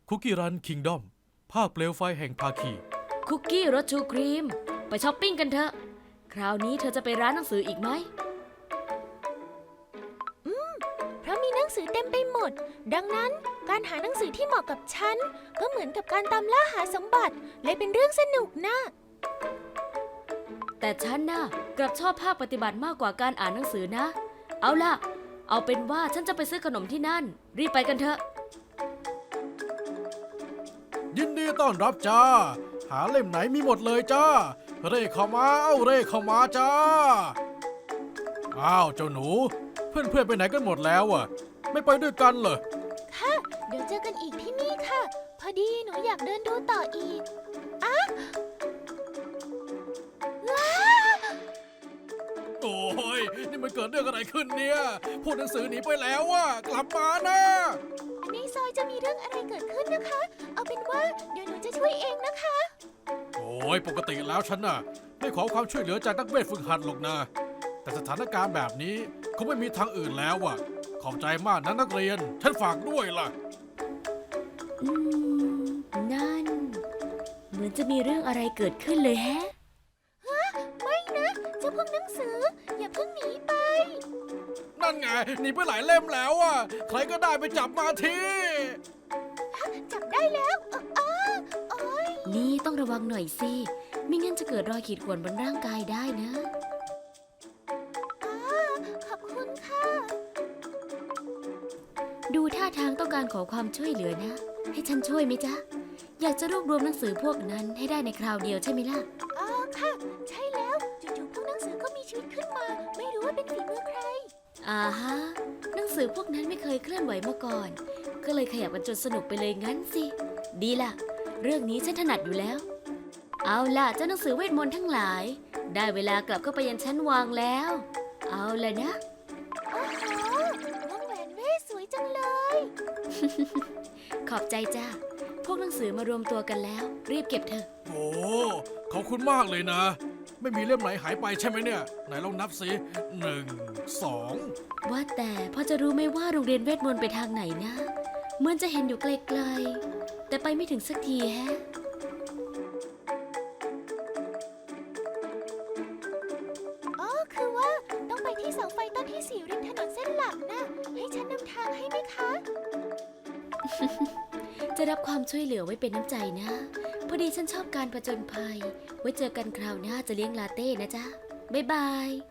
คุกกี้รันคิงดอมภาคเปลวไฟแห่งภาคีคุกกี้รสชูครีมไปช้อปปิ้งกันเถอะคราวนี้เธอจะไปร้านหนังสืออีกไหมเพราะมีหนังสือเต็มไปหมดดังนั้นการหาหนังสือที่เหมาะกับฉันก็เหมือนกับการตามล่าหาสมบัติเลยเป็นเรื่องสนุกนะแต่ฉันน่ะกลับชอบภาคปฏิบัติมากกว่าการอ่านหนังสือนะเอาล่ะเอาเป็นว่าฉันจะไปซื้อขนมที่นั่นรีบไปกันเถอะยินดีต้อนรับจ้าหาเล่มไหนมีหมดเลยจ้าเร่เข้ามาเร่เข้ามาจ้าอ้าวเจ้าหนูเพื่อนไปไหนกันหมดแล้วอ่ะไม่ไปด้วยกันเหรอค่ะเดี๋ยวเจอกันอีกที่นี่ค่ะพอดีหนูอยากเดินดูต่ออีกว้าโอ้ยนี่มันเกิดเรื่องอะไรขึ้นเนี่ยพูดหนังสือหนีไปแล้วอ่ะกลับมานะในซอยจะมีเรื่องอะไรเกิดขึ้นนะคะ เอาเป็นว่าเดี๋ยวหนูจะช่วยเองนะคะโอ้ยปกติแล้วฉันน่ะไม่ขอความช่วยเหลือจากนักเวทฝึกหัดหรอกนะแต่สถานการณ์แบบนี้คงไม่มีทางอื่นแล้วอ่ะขอบใจมากนะนักเรียนฉันฝากด้วยล่ะนั่นเหมือนจะมีเรื่องอะไรเกิดขึ้นเลยแฮะไม่นะเจ้าพวกหนังสืออย่าเพิ่งหนีไปนั่นไงหนีไปหลายเล่มแล้วอ่ะใครก็ได้ไปจับมาทีจับได้แล้วโอ๊ยนี่ต้องระวังหน่อยสิไม่งั้นจะเกิดรอยขีดข่วนบนร่างกายได้นะขอบคุณค่ะดูท่าทางต้องการขอความช่วยเหลือนะให้ฉันช่วยไหมจ๊ะอยากจะรวบรวมหนังสือพวกนั้นให้ได้ในคราวเดียวใช่ไหมล่ะค่ะใช่แล้วจู่ๆพวกหนังสือก็มีชีวิตขึ้นมาไม่รู้ว่าเป็นฝีมือใครฮะหนังสือพวกนั้นไม่เคยเคลื่อนไหวมาก่อนก็เลยขยับกันจนสนุกไปเลยงั้นสิดีล่ะเรื่องนี้ฉันถนัดอยู่แล้วเอาล่ะเจ้าหนังสือเวทมนต์ทั้งหลายได้เวลากลับเข้าไปยังชั้นวางแล้วเอาล่ะนะโอ้โหวงแหวนเวทสวยจังเลยขอบใจจ้าพวกหนังสือมารวมตัวกันแล้วรีบเก็บเถอะโอ้ขอบคุณมากเลยนะไม่มีเล่มไหนหายไปใช่ไหมเนี่ยไหนลองนับสิ1 2 ว่าแต่พอจะรู้ไหมว่าโรงเรียนเวทมนต์ไปทางไหนนะเหมือนจะเห็นอยู่ไกลๆแต่ไปไม่ถึงสักทีแฮะคือว่าต้องไปที่เสาไฟต้นที่4ริมถนนเส้นหลักนะให้ฉันนำทางให้ไหมคะจะรับความช่วยเหลือไว้เป็นน้ำใจนะพอดีฉันชอบการผจญภัยไว้เจอกันคราวหน้าจะเลี้ยงลาเต้นะจ๊ะบ๊ายบาย